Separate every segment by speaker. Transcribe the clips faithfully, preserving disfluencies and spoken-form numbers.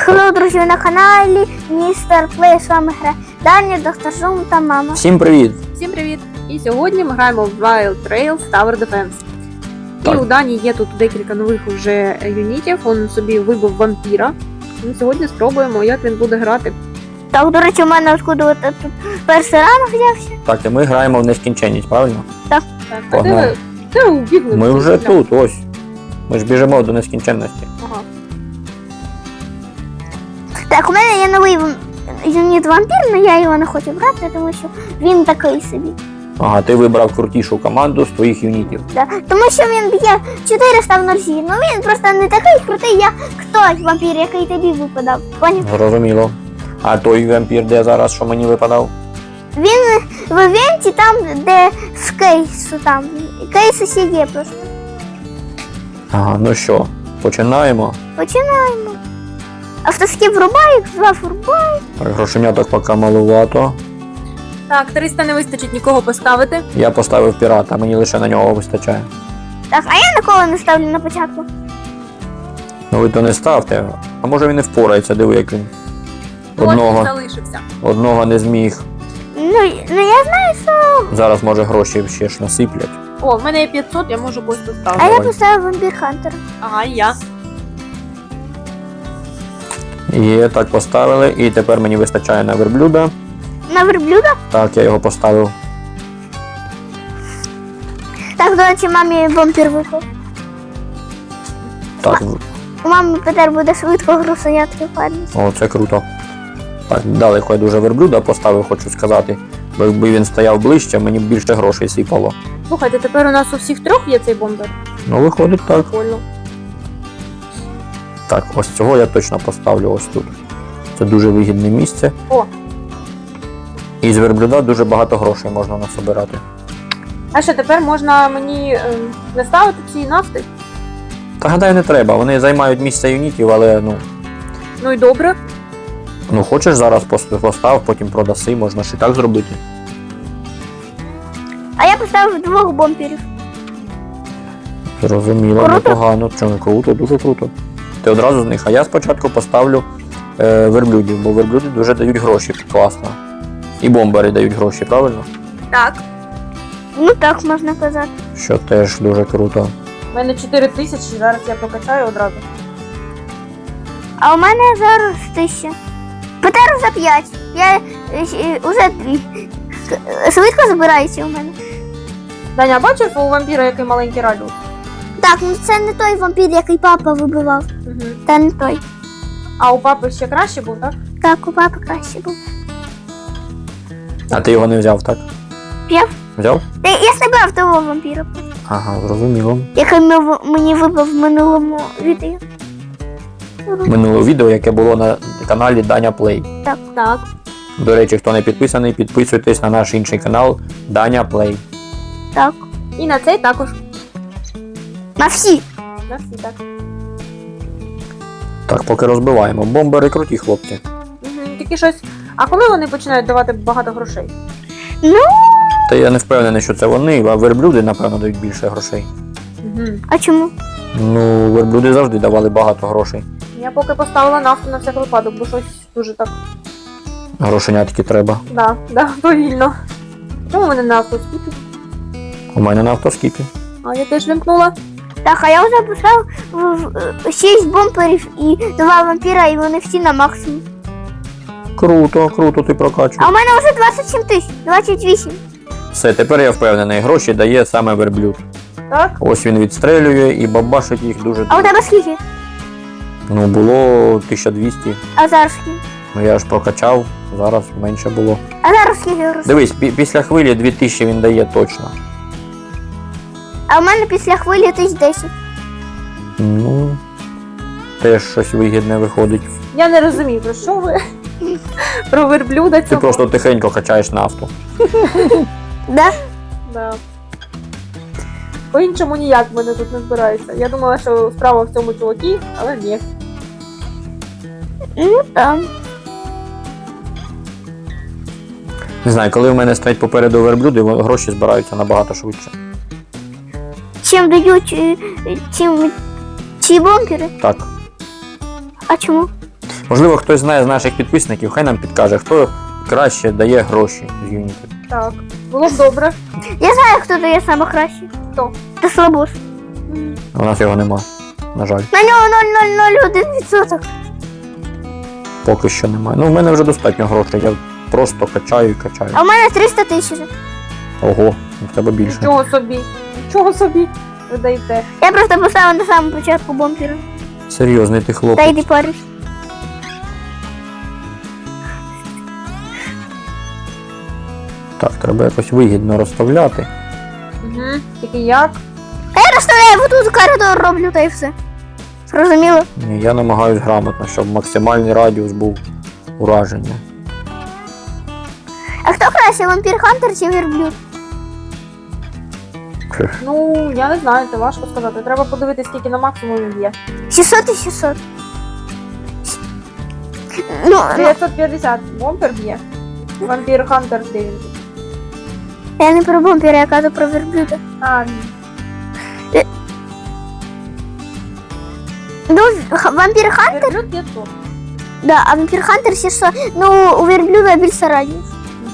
Speaker 1: Хеллоу, друзі, ви на каналі Містер Плей, з вами грає Даня, Доктор Зум та мама.
Speaker 2: Всім привіт!
Speaker 3: Всім привіт! І сьогодні ми граємо в Wild Trails Tower Defense.
Speaker 2: Так.
Speaker 3: І у Дані є тут декілька нових уже юнітів, він собі вибив вампіра. Ми сьогодні спробуємо, як він буде грати.
Speaker 1: Так, до речі, у мене откуда от тут перший ранок взявся.
Speaker 2: Так, і ми граємо в нескінченність, правильно?
Speaker 3: Так, а де
Speaker 2: Погнали.
Speaker 3: ви? Де ви убігли?
Speaker 2: Ми вже тут, ось. Ми ж біжимо до нескінченності.
Speaker 3: Ага.
Speaker 1: Так, у мене є новий вам- юніт вампір, але я його не хочу брати, тому що він такий собі.
Speaker 2: Ага, ти вибрав крутішу команду з твоїх юнітів.
Speaker 1: Да. Тому що він б'є чотириста в ножі. Ну він просто не такий крутий, як той вампір, який тобі випадав. Поняв?
Speaker 2: Зрозуміло. А той вампір, де зараз, що мені випадав?
Speaker 1: Він в івенті там, де з кейсу там. Кейс усі є просто.
Speaker 2: Ага, ну що, починаємо.
Speaker 1: Починаємо. Автоскіп врубаю, два врубаю.
Speaker 2: Так, грошеняток поки малувато.
Speaker 3: Так, триста не вистачить нікого поставити.
Speaker 2: Я поставив пірата, мені лише на нього вистачає.
Speaker 1: Так, а я ніколи не ставлю на початку.
Speaker 2: Ну ви то не ставте. А може він не впорається, диви, як він.
Speaker 3: Ось він
Speaker 2: Одного,
Speaker 3: залишився.
Speaker 2: одного не зміг.
Speaker 1: Ну, ну я знаю, що.
Speaker 2: Зараз, може, гроші ще ж насиплять.
Speaker 3: О, в мене є п'ятсот, я можу когось
Speaker 1: А
Speaker 3: поставити.
Speaker 1: я
Speaker 2: Давай.
Speaker 1: поставив вампір Хантера.
Speaker 3: Ага, і я.
Speaker 2: Є, так поставили. І тепер мені вистачає на верблюда.
Speaker 1: На верблюда.
Speaker 2: Так, я його поставив.
Speaker 1: Так, до речі, мамі вампір випав.
Speaker 2: Так,
Speaker 1: У мами тепер буде швидко грусенятки падати.
Speaker 2: о, це круто. Так, далеко я дуже верблюда поставив, хочу сказати. Бо якби він стояв ближче, мені б більше грошей сипало.
Speaker 3: Слухайте, тепер у нас у всіх трьох є цей бомбер.
Speaker 2: Ну, виходить так.
Speaker 3: Прикольно.
Speaker 2: Так, ось цього я точно поставлю ось тут. Це дуже вигідне місце.
Speaker 3: О,
Speaker 2: І з верблюда дуже багато грошей можна насобирати.
Speaker 3: а що тепер можна мені ем, не ставити ці нафти?
Speaker 2: Та гадаю, не треба. Вони займають місце юнітів, але ну.
Speaker 3: Ну і добре.
Speaker 2: Ну хочеш зараз пос- постав, потім продаси, можна ж і так зробити.
Speaker 1: А я поставив двох бомберів.
Speaker 2: Зрозуміло,
Speaker 1: Круто.
Speaker 2: непогано. Чому круто, дуже круто. Ти одразу з них. А я спочатку поставлю е, верблюдів, бо верблюди дуже дають гроші, класно. І бомбери дають гроші, правильно?
Speaker 3: Так.
Speaker 1: Ну так можна казати.
Speaker 2: Що теж дуже круто.
Speaker 3: У мене чотири тисячі, зараз я прокачаю одразу.
Speaker 1: А у мене зараз тисяча. Петер за п'ять. Я е, е, уже дві. Е, Швидко забирається у мене.
Speaker 3: Даня, бачив у вампіра який маленький радіус?
Speaker 1: Так, ну це не той вампір, який папа вибивав.
Speaker 3: Угу.
Speaker 1: Та не той.
Speaker 3: А у папи ще краще був, так?
Speaker 1: Так, у папи краще був.
Speaker 2: А ти його не взяв, так?
Speaker 1: Взяв?
Speaker 2: Взяв?
Speaker 1: Та я забрав того вампіра,
Speaker 2: Ага, зрозуміло.
Speaker 1: який ми- мені вибив в минулому відео.
Speaker 2: Минуле відео, яке було на каналі Даня Плей.
Speaker 3: Так.
Speaker 2: До речі, хто не підписаний, підписуйтесь на наш інший канал Даня Плей.
Speaker 1: Так.
Speaker 3: І на цей також.
Speaker 1: На всі.
Speaker 3: На всі так.
Speaker 2: Так, поки розбиваємо. Бомбери круті хлопці.
Speaker 3: Угу. Тільки щось. А коли вони починають давати багато грошей?
Speaker 1: Ну,
Speaker 2: Та я не впевнений, що це вони, а верблюди, напевно, дають більше грошей.
Speaker 3: Угу.
Speaker 1: а чому?
Speaker 2: Ну, верблюди завжди давали багато грошей.
Speaker 3: Я поки поставила нафту на всяк випадок, бо щось дуже так.
Speaker 2: Грошенятки треба.
Speaker 3: Да, да, повільно. Чому мене нафту скільки?
Speaker 2: У мене на автоскіпі.
Speaker 3: А я теж вимкнула.
Speaker 1: Так, а я вже поставив шість бомперів і два вампіра, і вони всі на максимум.
Speaker 2: Круто, круто, ти прокачуєш.
Speaker 1: А у мене вже двадцять сім тисяч, двадцять вісім.
Speaker 2: Все, тепер я впевнений, гроші дає саме верблюд.
Speaker 3: Так?
Speaker 2: Ось він відстрелює і бабашить їх дуже.
Speaker 1: А у тебе скільки?
Speaker 2: Ну, було тисяча двісті.
Speaker 1: А зараз скільки?
Speaker 2: Ну я ж прокачав, зараз менше було.
Speaker 1: А зараз скільки грошей?
Speaker 2: Дивись, пі- після хвилі дві тисячі він дає точно.
Speaker 1: А у мене після хвилі тисяч десять.
Speaker 2: Ну, теж щось вигідне виходить.
Speaker 3: Я не розумію, про що ви? Про верблюда
Speaker 2: Ти
Speaker 3: цього.
Speaker 2: просто тихенько качаєш нафту.
Speaker 1: Да?
Speaker 3: Да. По-іншому ніяк в мене тут не збирається. Я думала, що справа в цьому чувакі, але ні.
Speaker 1: Ну там.
Speaker 2: Не знаю, коли в мене стоять попереду верблюди, во- гроші збираються набагато швидше.
Speaker 1: Чим дають е, е, чим ці бомбери?
Speaker 2: Так.
Speaker 1: А чому?
Speaker 2: Можливо, хтось знає з наших підписників, хай нам підкаже, хто краще дає гроші з юнітів.
Speaker 3: Так. Було б добре.
Speaker 1: Я знаю, хто дає саме краще.
Speaker 3: Хто?
Speaker 1: Це слабос.
Speaker 2: У нас його нема, на жаль.
Speaker 1: На нього нуль нуль нуль один відсоток.
Speaker 2: Поки що немає. Ну, в мене вже достатньо грошей, я просто качаю і качаю.
Speaker 1: А в мене триста тисяч.
Speaker 2: Ого, в тебе більше.
Speaker 3: Нічого собі. Нічого собі. Ви даєте.
Speaker 1: Я просто поставив на самому початку бомбера.
Speaker 2: Серйозний ти
Speaker 1: Та
Speaker 2: хлопець.
Speaker 1: йди париш.
Speaker 2: Так, треба якось вигідно розставляти.
Speaker 3: Угу. Тільки як?
Speaker 1: Я розставляю, вот тут коридор роблю, та й все. Зрозуміло?
Speaker 2: Ні, я намагаюсь грамотно, щоб максимальний радіус був ураження.
Speaker 1: А хто краще, вампір Хантер чи верблюд?
Speaker 3: Ну, я не знаю, це важко сказати. Треба подивитися, скільки на максимум він б'є.
Speaker 1: шістсот і шістсот. Ну, ну,
Speaker 3: дев'ятсот п'ятдесят бомбер б'є. Вампір Хантер де він?
Speaker 1: я не про бомбера, я кажу про верблюда.
Speaker 3: А,
Speaker 1: Ну, х- вампір Хантер,
Speaker 3: верблюд п'ятсот.
Speaker 1: да, а вампір Хантер шістсот. Ну, у верблюда більше радіус.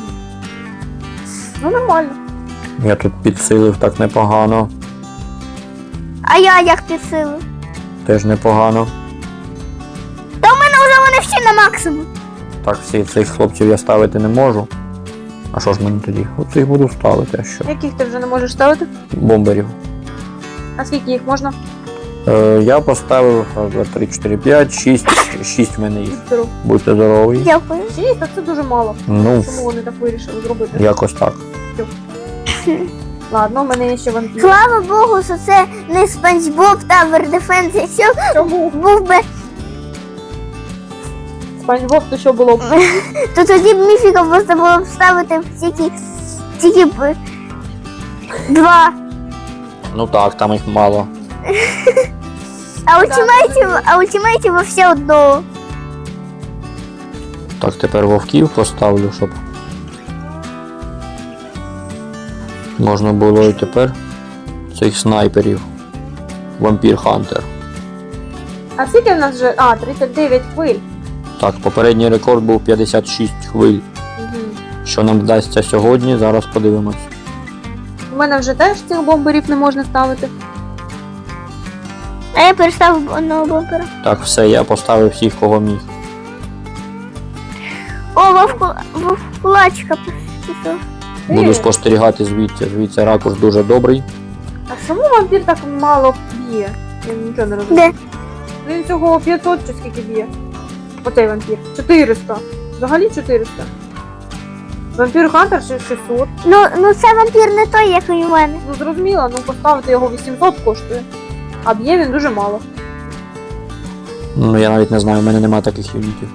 Speaker 3: Ну, нормально.
Speaker 2: Я тут підсилив так непогано.
Speaker 1: А я як підсилив?
Speaker 2: Теж непогано.
Speaker 1: Та у мене вже вони всі на максимум.
Speaker 2: Так, всі цих хлопців я ставити не можу. А що ж мені тоді? Оцих буду ставити, а що?
Speaker 3: Яких ти вже не можеш ставити?
Speaker 2: Бомберів.
Speaker 3: А скільки їх можна?
Speaker 2: Е, я поставив раз, два, три, чотири, п'ять, шість. Шість в мене їх.
Speaker 3: Здоров.
Speaker 2: Будьте здорові.
Speaker 1: Дякую.
Speaker 3: Шість, так це дуже мало.
Speaker 2: Ну,
Speaker 3: Чому вони так вирішили зробити?
Speaker 2: якось так.
Speaker 3: Ладно, у мене є ще вампір.
Speaker 1: Слава Богу, що це не Спанч Боб Tower Defense. Якщо
Speaker 3: Чому?
Speaker 1: був би,
Speaker 3: Спанч Боб, то що було б?
Speaker 1: то тоді б міфіка просто було б ставити тільки, тільки б два.
Speaker 2: Ну так, там їх мало.
Speaker 1: А ультимейтів, а ультимейтів все одного.
Speaker 2: Так, тепер вовків поставлю, щоб можна було і тепер цих снайперів. Вампір Хантер.
Speaker 3: А скільки в нас вже? А, тридцять дев'ять хвиль.
Speaker 2: Так, попередній рекорд був п'ятдесят шість хвиль.
Speaker 3: Угу.
Speaker 2: Що нам вдасться сьогодні, зараз подивимось.
Speaker 3: У мене вже теж цих бомберів не можна ставити.
Speaker 1: А я переставив одного бомбера.
Speaker 2: Так, все, я поставив всіх, кого міг.
Speaker 1: О, вовку, вовкулачка пішов.
Speaker 2: Буду
Speaker 3: Е.
Speaker 2: спостерігати звідси. Звідси ракурс дуже добрий.
Speaker 3: А чому вампір так мало б'є? Я нічого не розумію.
Speaker 1: Де?
Speaker 3: Він всього п'ятсот чи скільки б'є? Оцей вампір. чотириста. Взагалі чотириста. Вампір Хантер ще шістсот.
Speaker 1: Ну, ну це вампір не той, як і у мене.
Speaker 3: Ну зрозуміло, ну поставити його вісімсот коштує. А б'є він дуже мало.
Speaker 2: Ну, я навіть не знаю, у мене немає таких юнітів.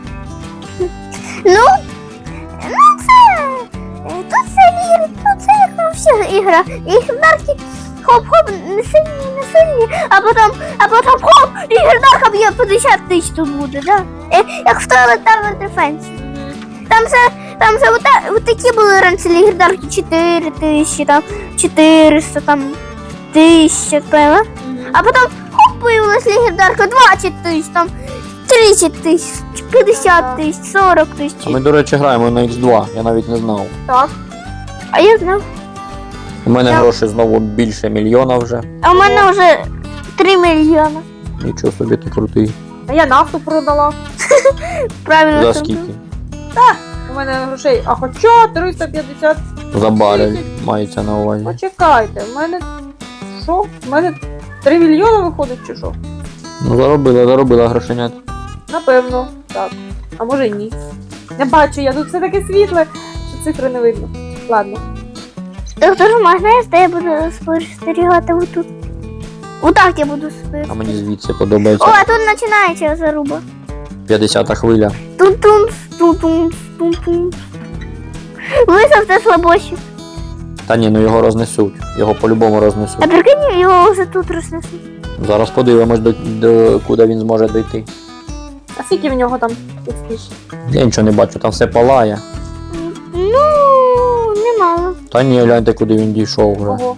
Speaker 1: Ну, ну це. е, Тут це вір, тут це як на всіх ігра. І гердарки хоп-хоп, не сильні, не сильні, а потім, а потім хоп, і гердарка б'є п'ятдесят тисяч тут буде, да? Е, Як в Tower Defense. Там це, там це ота, от такі були раніше гердарки чотири тисячі, там чотириста, там тисяча, певно. А потім хоп, появилась легендарка двадцять тисяч, там тридцять тисяч, п'ятдесят тисяч, сорок
Speaker 2: А
Speaker 1: тисяч.
Speaker 2: ми, до речі, граємо на ікс два, я навіть не знав.
Speaker 3: Так.
Speaker 1: А я знав.
Speaker 2: У мене
Speaker 1: Я-
Speaker 2: грошей знову більше мільйона вже.
Speaker 1: А у мене вже три мільйони.
Speaker 2: Нічого собі ти крутий.
Speaker 3: А я нафту продала.
Speaker 1: Правильно.
Speaker 2: За
Speaker 1: сказав.
Speaker 2: скільки?
Speaker 3: У мене грошей. А хоча триста п'ятдесят.
Speaker 2: За барель мається на увазі.
Speaker 3: Почекайте, в мене. Що? В мене три мільйони виходить чи що?
Speaker 2: Ну заробила, заробила грошенят.
Speaker 3: Напевно, так. А може й ні. Не бачу, я тут все таке світле, що цифри не видно. Ладно.
Speaker 1: Доктор Мак, знаєш, де я буду спостерігати отут? Отак я буду
Speaker 2: А
Speaker 1: спостерігати.
Speaker 2: мені звідси
Speaker 1: О,
Speaker 2: подобається.
Speaker 1: а тут починається заруба.
Speaker 2: п'ятдесята хвиля.
Speaker 1: Тун-тун, тун-тун, тун-тун. Висавте слабоші.
Speaker 2: Та ні, ну його рознесуть. Його по-любому
Speaker 1: А
Speaker 2: рознесуть.
Speaker 1: прикинь, його вже тут рознесуть.
Speaker 2: Зараз подивимось, до, до куди він зможе дійти.
Speaker 3: А скільки в нього там експіш?
Speaker 2: Я нічого не бачу, там все палає.
Speaker 1: Ну, немало.
Speaker 2: Та ні, гляньте, куди він дійшов вже.
Speaker 3: Ого.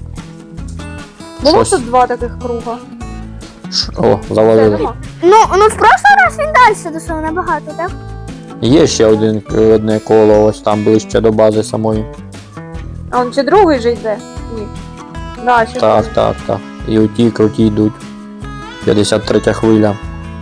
Speaker 3: Було
Speaker 2: Щось.
Speaker 3: тут два таких круга.
Speaker 2: Ш- О,
Speaker 3: Все,
Speaker 2: завалили.
Speaker 3: нема.
Speaker 1: Ну, ну в прошлый раз він далі дошло набагато, так?
Speaker 2: Є ще один, одне коло, ось там ближче до бази самої.
Speaker 3: А он ще другий же йде? Ні. Да, ще
Speaker 2: Так,
Speaker 3: другий.
Speaker 2: так, так. І оті круті йдуть. п'ятдесят третя хвиля.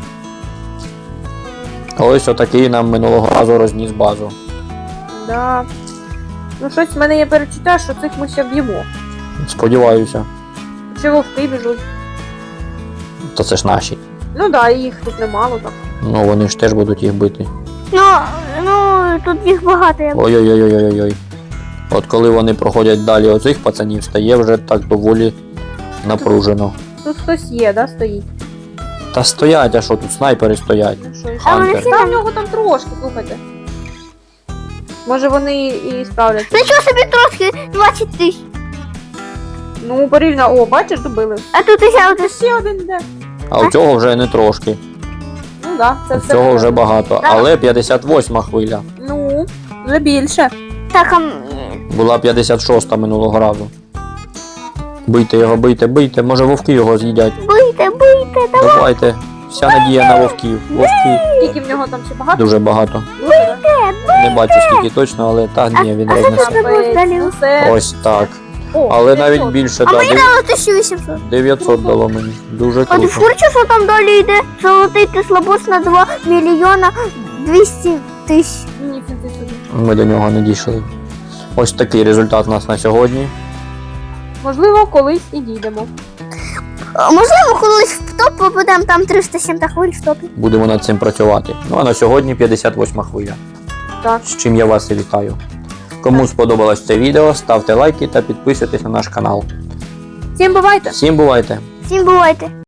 Speaker 2: Ось отакий нам минулого разу розніс базу.
Speaker 3: Да. Ну щось в мене є перечуття, що цих ми ще б'ємо.
Speaker 2: Сподіваюся.
Speaker 3: Чи вовки біжуть.
Speaker 2: То це ж наші.
Speaker 3: Ну да, і їх тут немало так.
Speaker 2: Ну вони ж теж будуть їх бити.
Speaker 1: Ну, ну, тут їх багато. Я...
Speaker 2: Ой-ой-ой-ой-ой. От коли вони проходять далі оцих пацанів, стає вже так доволі напружено.
Speaker 3: Тут хтось є, да, стоїть.
Speaker 2: Та стоять, а що тут снайпери стоять?
Speaker 3: Ну що, і
Speaker 1: А вони
Speaker 2: Хантер.
Speaker 1: всі
Speaker 3: Та в
Speaker 1: там...
Speaker 3: нього там трошки, слухайте. Може вони і справляться.
Speaker 1: Нічого собі трошки двадцять тисяч.
Speaker 3: Ну, порівняно, о, бачиш, добили.
Speaker 1: А тут ще
Speaker 3: Це
Speaker 1: один.
Speaker 3: ще один йде.
Speaker 2: А у цього вже не трошки.
Speaker 3: Ну да, це
Speaker 2: У
Speaker 3: все.
Speaker 2: цього вже
Speaker 3: правильно.
Speaker 2: багато. Але п'ятдесят восьма хвиля.
Speaker 3: Ну, вже більше.
Speaker 1: Так, а... м,
Speaker 2: Була п'ятдесят шоста минулого разу. Бийте його, бийте, бийте. Може вовки його з'їдять.
Speaker 1: бийте, бийте, давай.
Speaker 2: Давайте. Вся надія на вовків. Вовки
Speaker 3: Скільки в нього там ще багато?
Speaker 2: дуже багато.
Speaker 3: Дуже, да?
Speaker 2: Не бачу скільки точно, але та ні, він
Speaker 1: а що
Speaker 2: рознесе.
Speaker 1: це було далі?
Speaker 3: Ну, це...
Speaker 2: Ось так.
Speaker 3: О,
Speaker 2: Але
Speaker 3: це
Speaker 2: навіть
Speaker 3: що?
Speaker 2: більше,
Speaker 1: А
Speaker 2: да,
Speaker 1: мені
Speaker 2: дев-
Speaker 1: дало тисяча вісімсот.
Speaker 2: дев'ятсот дало мені. Дуже
Speaker 1: А ти
Speaker 2: круто.
Speaker 1: в курсі, що там далі йде? Золотий кислобос на два мільйона двісті тисяч.
Speaker 3: Ні, це ти собі.
Speaker 2: Ми до нього не дійшли. Ось такий результат у нас на сьогодні.
Speaker 3: Можливо, колись і дійдемо.
Speaker 1: А, можливо, колись в топ попадемо, там триста сім хвиль в топі.
Speaker 2: Будемо над цим працювати. Ну а на сьогодні п'ятдесят восьма хвиля.
Speaker 3: Так.
Speaker 2: З чим я вас і вітаю. Кому сподобалось це відео, ставте лайки та підписуйтесь на наш канал.
Speaker 3: Всім бувайте!
Speaker 2: Всім бувайте!
Speaker 1: Всім бувайте!